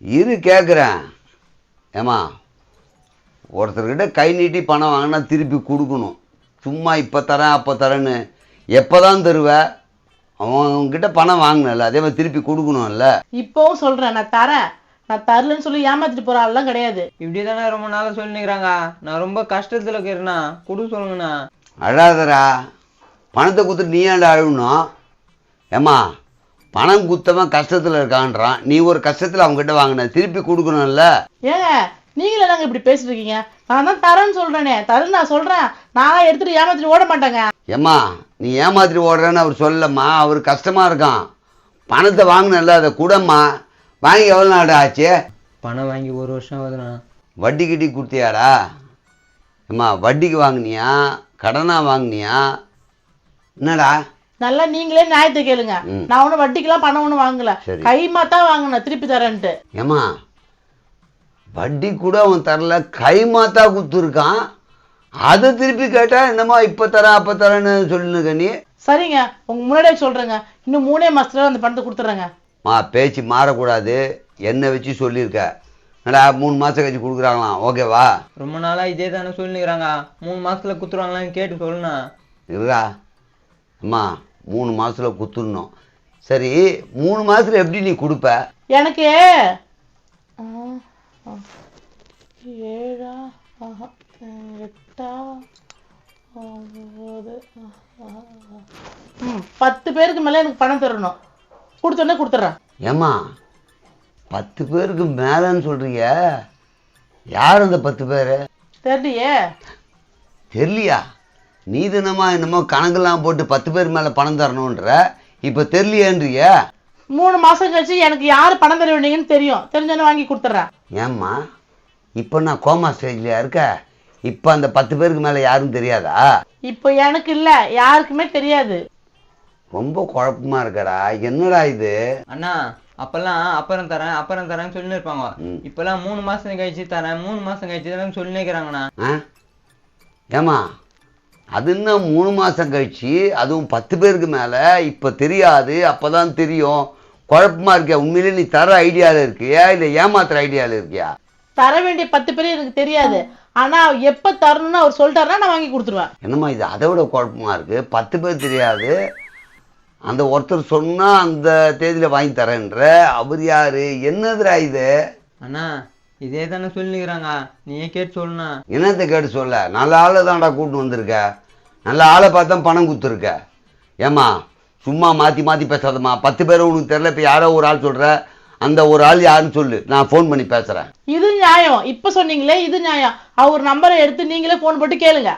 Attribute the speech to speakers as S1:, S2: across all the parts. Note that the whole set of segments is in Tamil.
S1: இரு கேட்குறேன். ஏம்மா, ஒருத்தர்கிட்ட கை நீட்டி பணம் வாங்கினா திருப்பி கொடுக்கணும். சும்மா இப்போ தரேன் அப்போ தரேன்னு எப்போ தான் தருவ? அவங்ககிட்ட பணம் வாங்கினல, அதே மாதிரி திருப்பி கொடுக்கணும்ல.
S2: இப்போவும் சொல்கிறேன், நான் தரேன், நான் தரலன்னு சொல்லி ஏமாத்திட்டு போகிற ஆள்லாம் கிடையாது.
S3: இப்படி தானே ரொம்ப நாளாக சொல்லிக்கிறாங்க. நான் ரொம்ப கஷ்டத்தில் இருக்கிறேண்ணா, கொடு சொல்லுங்கண்ணா.
S1: அழாதரா, பணத்தை கொடுத்துட்டு நீ ஏன்டா அழுகணும்? ஏம்மா, பணம் குத்தவன் கஷ்டத்தில் இருக்கான்றான், நீ ஒரு கஷ்டத்தில் அவங்ககிட்ட வாங்கின திருப்பி கொடுக்கணும்ல.
S2: ஏங்க நீங்களே தாங்க இப்படி பேசிட்டு இருக்கீங்க? நான் தான் தரேன்னு சொல்கிறேனே, தரேன்னு நான் சொல்கிறேன். நான் எடுத்துகிட்டு ஏமாத்திட்டு ஓட மாட்டேங்க.
S1: ஏம்மா, நீ ஏமாத்திட்டு ஓடுறேன்னு அவர் சொல்லம்மா, அவர் கஷ்டமாக இருக்கான். பணத்தை வாங்கினல, அதை கூடம்மா. வாங்கி எவ்வளோ நாடு ஆச்சு?
S3: பணம் வாங்கி 1 வருஷம் ஆகுதுண்ணா.
S1: வட்டி கிட்டி கொடுத்தியாடா? ஏம்மா, வட்டிக்கு வாங்கினியா கடனாக வாங்கினியா? என்னடா?
S2: நல்லா நீங்களே நியாயத்தை கேளுங்க. நான் ஒன்றும் வட்டிக்கெல்லாம் பணம் ஒன்றும் வாங்கல, கைமாத்தா வாங்கினேன், திருப்பி தரேன்ட்டு.
S1: ஏம்மா, வட்டி கூட அவன் தரல, கைமாத்தா கொடுத்துருக்கான். அதை திருப்பி கேட்டா என்னம்மா இப்போ தரேன் அப்போ தரேன்னு சொல்லுங்க நீ.
S2: சரிங்க, உங்க முன்னாடியே சொல்றேங்க, இன்னும் 3 மாசத்துல அந்த பணத்தை கொடுத்துட்றேங்க.
S1: பேச்சு மாறக்கூடாது, என்ன வச்சு சொல்லியிருக்க. என்னடா 3 மாதம் கழிச்சு கொடுக்குறாங்களாம், ஓகேவா?
S3: ரொம்ப நாளாக இதே தானே சொல்லிக்கிறாங்க. 3 மாசத்துல குத்துருவாங்களான்னு கேட்டு சொல்லுண்ணா.
S1: இருக்கா அம்மா, 3 மாதத்தில் குத்துடணும். சரி, 3 மாதத்தில் எப்படி நீ கொடுப்ப?
S2: எனக்கு 7 8 10 பேருக்கு மேலே எனக்கு பணம் தரணும். கொடுத்தோன்னே கொடுத்துட்றேன்.
S1: ஏம்மா, 10 பேருக்கு மேலேன்னு சொல்கிறீங்க, யார் அந்த 10 பேர்?
S2: தெரியலையே.
S1: தெரியலையா? நீ தினமா என்னமோ கணக்கெல்லாம் போட்டு 10 பேர் மேலே பணம் தரணுன்ற, இப்போ தெரியலையேன்றிய.
S2: 3 மாசம் கழிச்சு எனக்கு யார் பணம் தர வேண்டிங்கன்னு தெரியும், தெரிஞ்சோன்னு வாங்கி கொடுத்துட்றேன்.
S1: ஏம்மா, இப்போ நான் கோமா ஸ்டேஜ்லையா இருக்க? இப்போ அந்த 10 பேருக்கு மேலே யாரும் தெரியாதா?
S2: இப்போ எனக்கு இல்லை, யாருக்குமே தெரியாது.
S1: ரொம்ப குழப்பமா இருக்கடா, என்னடா இது?
S3: அண்ணா, அப்பெல்லாம் அப்புறம் தரேன்னு சொல்லி இருப்பாங்க. இப்பெல்லாம் 3 மாசம் கழிச்சு தரேன், 3 மாசம் கழிச்சு தரேன்னு சொல்லி நிற்கிறாங்கண்ணா.
S1: ஏம்மா, அது என்ன 3 மாதம் கழிச்சு, அதுவும் 10 பேருக்கு மேலே இப்போ தெரியாது, அப்போ தான் தெரியும்? குழப்பமா இருக்கியா? உண்மையிலே நீ தர ஐடியாவில் இருக்கியா இல்லை ஏமாத்துற ஐடியாவில் இருக்கியா?
S2: தர வேண்டிய 10 பேர் எனக்கு தெரியாது, ஆனா எப்ப தரணும்னு அவர் சொல்லிட்டாருன்னா நான் வாங்கி கொடுத்துருவேன்.
S1: என்னம்மா இது அதை விட குழப்பமா இருக்கு. 10 பேர் தெரியாது, அந்த ஒருத்தர் சொன்னா அந்த தேதியில வாங்கி தரேன்ற, அவர் யாரு? என்னதுடா இது?
S3: அண்ணா, இதே தானே சொல்லிக்கிறாங்க, நீயே கேட்டு சொல்லுண்ணா.
S1: என்னத்தை கேட்டு சொல்ல? நல்ல ஆளை தான்டா கூட்டு வந்திருக்க, நல்ல ஆளை பார்த்தா பணம் கொடுத்துருக்க. ஏம்மா, சும்மா மாற்றி மாற்றி பேசாதம்மா. 10 பேர் உனக்கு தெரியல, இப்போ யாரோ ஒரு ஆள் சொல்கிற, அந்த ஒரு ஆள் யாருன்னு சொல்லு, நான் ஃபோன் பண்ணி பேசுகிறேன்.
S2: இது நியாயம், இப்போ சொன்னீங்களே இது நியாயம். அவர் நம்பரை எடுத்து நீங்களே ஃபோன் போட்டு கேளுங்க.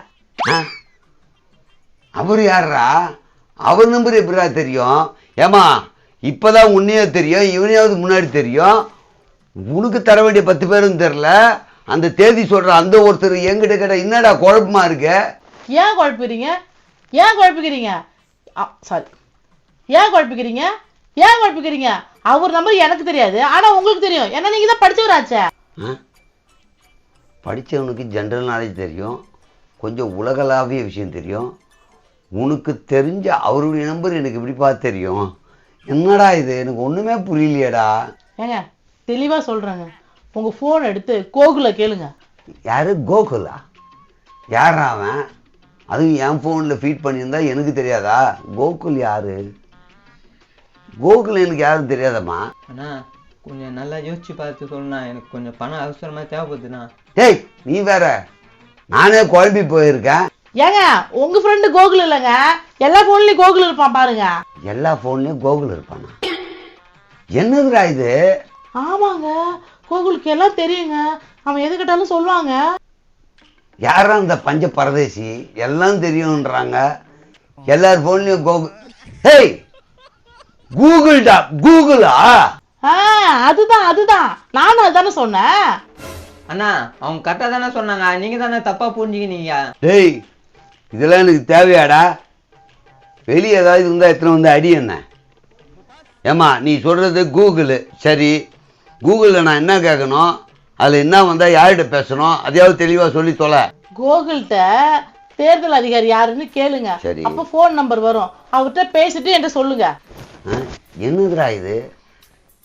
S1: அவர் யாரா? அவர் நம்பர் எப்படிடா தெரியும்? ஏம்மா, இப்போதான் உன்னையே தெரியும், இவனையாவது முன்னாடி தெரியும். உனக்கு தர வேண்டிய 10 பேரும் தெரில, அந்த தேதி சொல்கிற அந்த ஒருத்தர் எங்கிட்ட கேட்ட என்னடா குழப்பமா இருக்கு?
S2: ஏன் குழப்பிக்கிறீங்க? ஏன் குழப்பிக்கிறீங்க? சாரி, ஏன் குழப்பிக்கிறீங்க? ஏன் குழப்பிக்கிறீங்க? அவர் நம்பர் எனக்கு தெரியாது, ஆனா உங்களுக்கு தெரியும், ஏன்னா நீங்க தான் படிச்சவராச்சே.
S1: படித்தவனுக்கு ஜென்ரல் நாலேஜ் தெரியும், கொஞ்சம் உலகளாவிய விஷயம் தெரியும். உனக்கு தெரிஞ்ச அவருடைய நம்பர் எனக்கு எப்படிப்பா தெரியும்? என்னடா இது, எனக்கு ஒன்றுமே புரியலையேடா.
S2: ஏங்க தெளிவாக சொல்கிறேங்க, உங்கள் ஃபோன் எடுத்து கோகுலை கேளுங்க.
S1: யார் கோகுலா? யாரா அவன்? அதுவும் என் ஃபோனில் ஃபீட் பண்ணியிருந்தா எனக்கு தெரியாதா? கோகுல் யாரு? கோகுல் எனக்கு யாரும் தெரியாதம்மா.
S3: அண்ணா, கொஞ்சம் நல்லா யோசிச்சு பார்த்து சொல்லுண்ணா, எனக்கு கொஞ்சம் பணம் அவசரமாக தேவைப்படுதுண்ணா.
S1: ஏய், நீ வேற, நானே குழம்பி போயிருக்கேன்.
S2: ஏங்க உங்க ஃப்ரெண்டு கோகுல் இல்லைங்க, எல்லா ஃபோன்லயும் கோகுல் இருப்பான் பாருங்க.
S1: எல்லா ஃபோன்லயும் கோகுல் இருப்பானா? என்னதுடா இது?
S2: ஆமாங்க, கோகுலுக்கு எல்லாம் தெரியுங்க, அவன் எது கேட்டாலும் சொல்லுவாங்க.
S1: யாரா அந்த பஞ்ச பரதேசி? எல்லாம் தெரியும்ன்றாங்க, எல்லார் ஃபோன்லயும் கோகுல். ஹேய், கூகுள்டா, கூகுளா?
S2: அதுதான் அதுதான், நானும் அதுதானே சொன்னேன்.
S3: அண்ணா, அவங்க கரெக்டாக தானே சொன்னாங்க, நீங்க தானே தப்பா புரிஞ்சுக்கினீங்க.
S1: டேய், இதெல்லாம் எனக்கு தேவையாடா? வெளியே ஏதாவது இருந்தால் எத்தனை வந்து அடி என்ன? ஏம்மா, நீ சொல்கிறது கூகுளு சரி, கூகுளில் நான் என்ன கேட்கணும், அதில் என்ன வந்தால் யார்கிட்ட பேசணும், அதையாவது தெளிவாக சொல்லி தொலை.
S2: கூகுள்கிட்ட தேர்தல் அதிகாரி யாருன்னு கேளுங்க, அப்போ ஃபோன் நம்பர் வரும், அவர்கிட்ட பேசிட்டு என்கிட்ட சொல்லுங்க.
S1: என்னதுடா இது?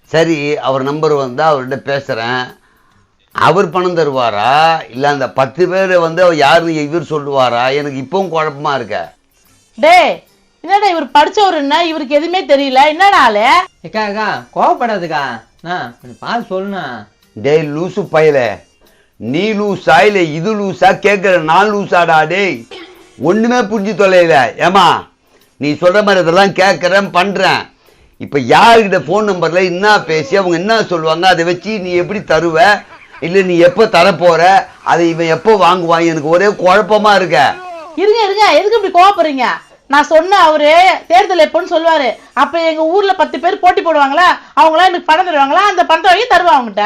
S1: சரி, அவர் நம்பர் வந்தால் அவர்கிட்ட பேசுகிறேன். அவர் பணம் தருவாரா இல்லை அந்த 10 பேர் வந்து அவர் யாருன்னு இவர் சொல்லுவாரா? எனக்கு இப்பவும் குழப்பமா இருக்க.
S2: டேய் என்னடா இவர் படிச்சவருன்னா இவருக்கு எதுவுமே தெரியல, என்னடா ஆளு?
S3: ஏக்கா கோவப்படாதுக்கா, கொஞ்சம் பார்த்து சொல்லுண்ணா.
S1: டேய் லூசு பயல, நீ லூஸா இல்லை இது லூஸா கேட்குற? நான் லூஸாடா? டேய் ஒன்றுமே புரிஞ்சு தொலைல. ஏமா நீ சொல்கிற மாதிரி இதெல்லாம் கேட்குறேன் பண்ணுறேன். இப்போ யாருக்கிட்ட ஃபோன் நம்பரில் என்ன பேசி அவங்க என்ன சொல்லுவாங்க அதை வச்சு நீ எப்படி தருவ? இல்லை நீ எப்போ தரப்போகிற? அதை இவன் எப்போ வாங்குவான்? எனக்கு ஒரே குழப்பமா இருக்க.
S2: இருங்க இருங்க, எதுக்கு இப்படி கோவப்படுறீங்க? நான் சொன்ன அவரு தேர்தல் எப்போன்னு சொல்லுவாரு. அப்ப எங்க ஊர்ல 10 பேர் போட்டி போடுவாங்களா, அவங்களாம் எனக்கு பணம் தருவாங்களா, அந்த பணத்தை வாங்கி தருவா அவங்ககிட்ட.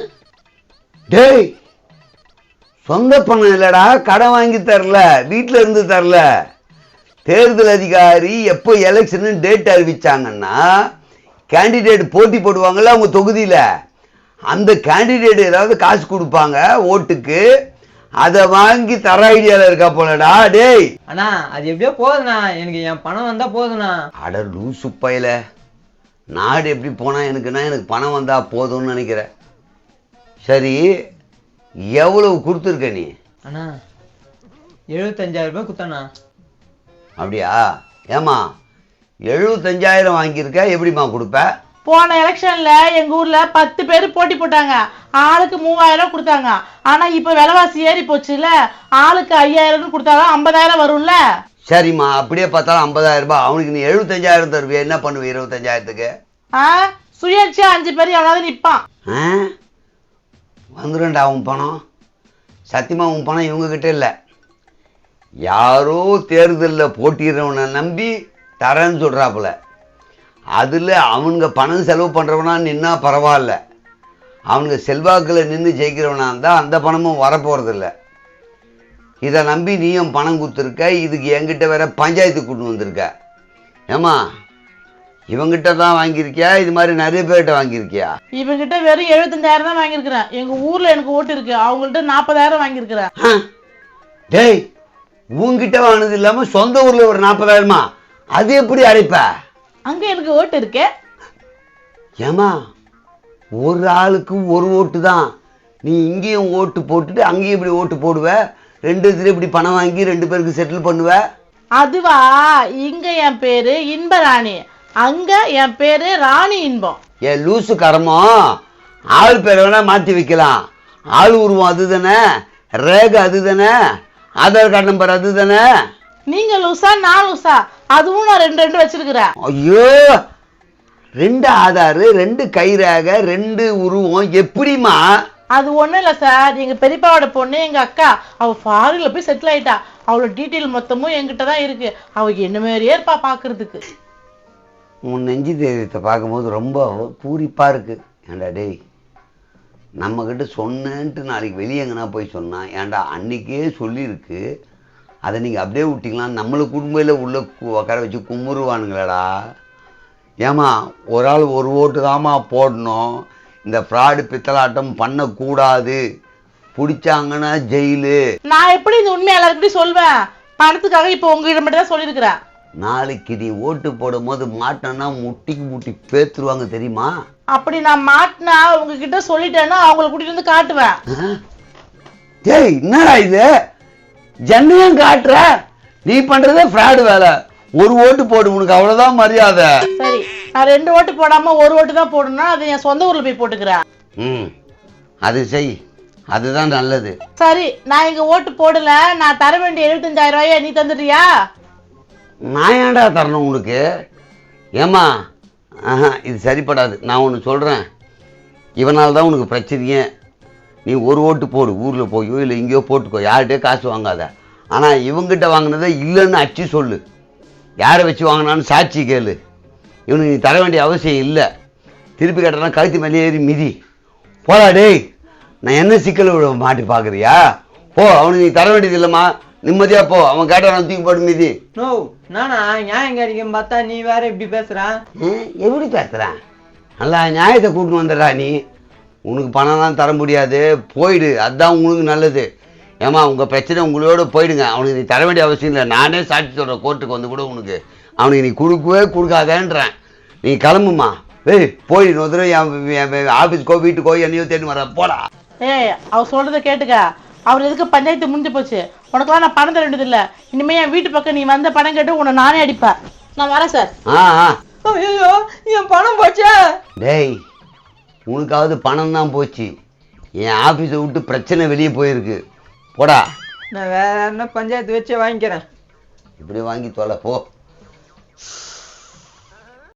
S1: டேய் சொந்த பணம் இல்லடா, கடன் வாங்கி தரல, வீட்டில் இருந்து தரல. தேர்தல் அதிகாரி எப்போ எலெக்ஷனு டேட் அறிவிச்சாங்கன்னா கேண்டிடேட் போட்டி போடுவாங்கல்ல அவங்க தொகுதியில், அந்த கேண்டிடேட் ஏதாவது காசு கொடுப்பாங்க ஓட்டுக்கு, அதை வாங்கி தர ஐடியாவில் இருக்கா போலடா. டேய்
S3: அண்ணா அது எப்படியோ போதுண்ணா, எனக்கு என் பணம் வந்தா போதுண்ணா.
S1: அட லூசு பயல, நாடு எப்படி போனால் எனக்கு பணம் வந்தால் போதும்னு நினைக்கிறேன். சரி எவ்வளவு கொடுத்துருக்க நீ?
S3: அண்ணா 75,000 ரூபாய் கொடுத்தண்ணா.
S1: அப்படியா? ஏமா 75,000 வாங்கியிருக்க, எப்படிமா கொடுப்ப?
S2: போன எலெக்ஷன்ல எங்க ஊர்ல 10 பேர் போட்டி போட்டாங்க, ஆளுக்கு 3,000 கொடுத்தாங்க. ஆனா இப்ப விலைவாசி ஏறி போச்சுல, ஆளுக்கு 5,000 கொடுத்தாங்க, 50,000 வரும்ல.
S1: சரிம்மா, அப்படியே பார்த்தாலும் 50,000 ரூபாய். அவனுக்கு நீ 75,000 தருவியா? என்ன பண்ணுவ 25,000த்துக்கு?
S2: சுயேட்சையா 5 பேர் எவனாவது நிப்பான்.
S1: வந்துடும்டா உன் பணம். சத்தியமா உன் பணம் இவங்க கிட்ட இல்லை. யாரோ தேர்தலில் போட்டிடுறவனை நம்பி தரேன்னு சொல்கிறாப்புல. அதில் அவனுங்க பணம் செலவு பண்ணுறவனா நின்னா பரவாயில்ல, அவனுங்க செல்வாக்கில் நின்று ஜெயிக்கிறவனா இருந்தால் அந்த பணமும் வரப்போகிறதில்ல. இதை நம்பி நீயும் பணம் கொடுத்துருக்க, இதுக்கு என்கிட்ட வேற பஞ்சாயத்து கூட்டு வந்திருக்க. ஏமா இவங்கிட்ட தான் வாங்கியிருக்கியா, இது மாதிரி நிறைய பேர்கிட்ட வாங்கியிருக்கியா?
S2: இவங்கிட்ட வெறும் 75,000 தான் வாங்கியிருக்கிறேன். எங்க ஊர்ல எனக்கு ஓட்டு இருக்கு, அவங்கள்ட்ட 40,000 வாங்கியிருக்கிறேன்.
S1: டேய் உங்ககிட்ட வாங்கினது இல்லாம சொந்த ஊர்ல ஒரு 40,000மா? அது எப்படி அடைப்ப?
S2: அங்க எனக்கு ஓட்டு இருக்கு.
S1: ஏமா ஒரு ஆளுக்கு ஒரு ஓட்டு தான், நீ இங்கேயும் ஓட்டு போட்டுட்டு அங்கேயும் இப்படி ஓட்டு போடுவ, 2 இதுல இப்படி பணம் வாங்கி 2 பேருக்கு செட்டில் பண்ணுவ.
S2: அதுவா, இங்க என் பேரு இன்பராணி, அங்க என் பேரு ராணி இன்பம்.
S1: ஏன் லூசு கரமோ, ஆள் பேரை வேணா மாற்றி வைக்கலாம், ஆள் உருவம் அது தானே, ரேகை அது தானே, ஆதார் கார்டு நம்பர் அது தானே.
S2: நீங்க லூசா நான் லூசா? அதுவும் நான் 2 வச்சிருக்கிறேன்.
S1: ஐயோ 2 ஆதார், 2 கை ரேகை, 2 உருவம் எப்படிமா?
S2: அது ஒண்ணும் இல்ல சார், எங்க பெரியப்பாவோட பொண்ணு எங்க அக்கா, அவ ஃபாரின்ல போய் செட்டில் ஆயிட்டா. அவளோட டீட்டெயில் மொத்தமும் என்கிட்ட தான் இருக்கு. அவ என்ன மாதிரியே இருப்பா பாக்குறதுக்கு.
S1: உன் நெஞ்சு தைரியத்தை பார்க்கும்போது ரொம்ப பூரிப்பாக இருக்குது. ஏண்டா டேய், நம்மக்கிட்ட சொன்னேன்ட்டு நாளைக்கு வெளியே எங்கன்னா போய் சொன்னான், ஏன்டா அன்றைக்கே சொல்லியிருக்கு, அதை நீங்கள் அப்படியே விட்டிங்களா? நம்மளை குடும்பத்தில் உள்ள உட்கார வச்சு கும்பிடுவானுங்களேடா. ஏமா ஒரு ஆள் ஒரு ஓட்டு தாம்மா போடணும், இந்த ஃப்ராடு பித்தலாட்டம் பண்ணக்கூடாது, பிடிச்சாங்கன்னா ஜெயிலு.
S2: நான் எப்படி இந்த உண்மை எல்லாருக்கிட்டையும் சொல்வேன்? பணத்துக்காக இப்போ உங்ககிட்ட மட்டும் தான் சொல்லியிருக்கிறேன்.
S1: நாளைக்கு நீ ஓட்டு போடும் போது மாட்டோன்னா முட்டிக்கு முட்டி பேத்துருவாங்க தெரியுமா?
S2: அப்படி நான் மாட்டினா உங்ககிட்ட சொல்லிட்டேன்னா அவங்கள கூட்டிட்டு வந்து காட்டுவேன்.
S1: டேய் என்னடா இது, ஜன்னையும் காட்டுற? நீ பண்றதே ஃப்ராடு வேலை. ஒரு ஓட்டு போடு, உனக்கு அவ்வளவுதான் மரியாதை.
S2: சரி, நான் 2 ஓட்டு போடாம ஒரு ஓட்டு தான் போடணும்னா அது என் சொந்த ஊர்ல போய் போட்டுக்கிறேன்.
S1: அது செய், அதுதான் நல்லது.
S2: சரி, நான் இங்க ஓட்டு போடல, நான் தர வேண்டிய 75,000 ரூபாயை நீ தந்துடுறியா?
S1: நான் ஏன்டா தரணும் உனக்கு? ஏமா இது சரிப்படாது. நான் ஒன்று சொல்கிறேன், இவனால் தான் உனக்கு பிரச்சனையே. நீ ஒரு ஓட்டு போடு, ஊரில் போயோ இல்லை இங்கேயோ போட்டுக்கோ, யார்கிட்டயோ காசு வாங்காத. ஆனால் இவங்கிட்ட வாங்கினதை இல்லைன்னு அச்சு சொல்லு, யாரை வச்சு வாங்கினான்னு சாட்சி கேளு. இவனுக்கு நீ தர வேண்டிய அவசியம் இல்லை. திருப்பி கேட்டனா கழுத்து மேலே ஏறி மிதி. போடா டேய், நான் என்ன சிக்கல் விட மாட்டி பார்க்குறியா? போ, அவனுக்கு நீ தர வேண்டியது இல்லைம்மா, நிம்மதியா போ. அவன் கேட்ட தூக்கி போட்டு மீதி.
S3: நோ நானா நியாயம் கிடைக்கும் பார்த்தா நீ வேற இப்படி பேசுறான்.
S1: எப்படி பேசுறேன்? நல்லா நியாயத்தை கூட்டின்னு வந்துடுறா நீ. உனக்கு பணம் தான் தர முடியாது, போயிடு, அதுதான் உங்களுக்கு நல்லது. ஏமா உங்கள் பிரச்சனை உங்களோட போயிடுங்க, அவனுக்கு நீ தர வேண்டிய அவசியம் இல்லை. நானே சாட்சி சொல்கிறேன் கோர்ட்டுக்கு வந்து கூட உனக்கு. அவனுக்கு நீ கொடுக்கவே கொடுக்காதேன்றேன். நீ கிளம்புமா, ஏய் போய் இன்னொரு என் ஆஃபீஸ்க்கோ வீட்டுக்கோ என்னையோ தேடி வர போடா.
S2: ஏய் அவர் சொல்றதை கேட்டுக்க. அவர் எதுக்கு பஞ்சாயத்து முடிஞ்சு போச்சு. உனக்கெல்லாம் நான் பணம் தர வேண்டியது இல்லை. இனிமே என் வீட்டு பக்கம் நீ வந்த பணம் கேட்டு உன்னை நானே அடிப்பேன். நான் வரேன் சார்.
S3: ஐயோ என் பணம் போச்சே.
S1: டேய் உனக்காவது பணம் தான் போச்சு, என் ஆஃபீஸை விட்டு பிரச்சனை வெளியே போயிருக்கு. போடா.
S3: நான் வேற என்ன பஞ்சாயத்து வச்சே வாங்கிக்கிறேன்.
S1: இப்படி வாங்கி தொலை போ.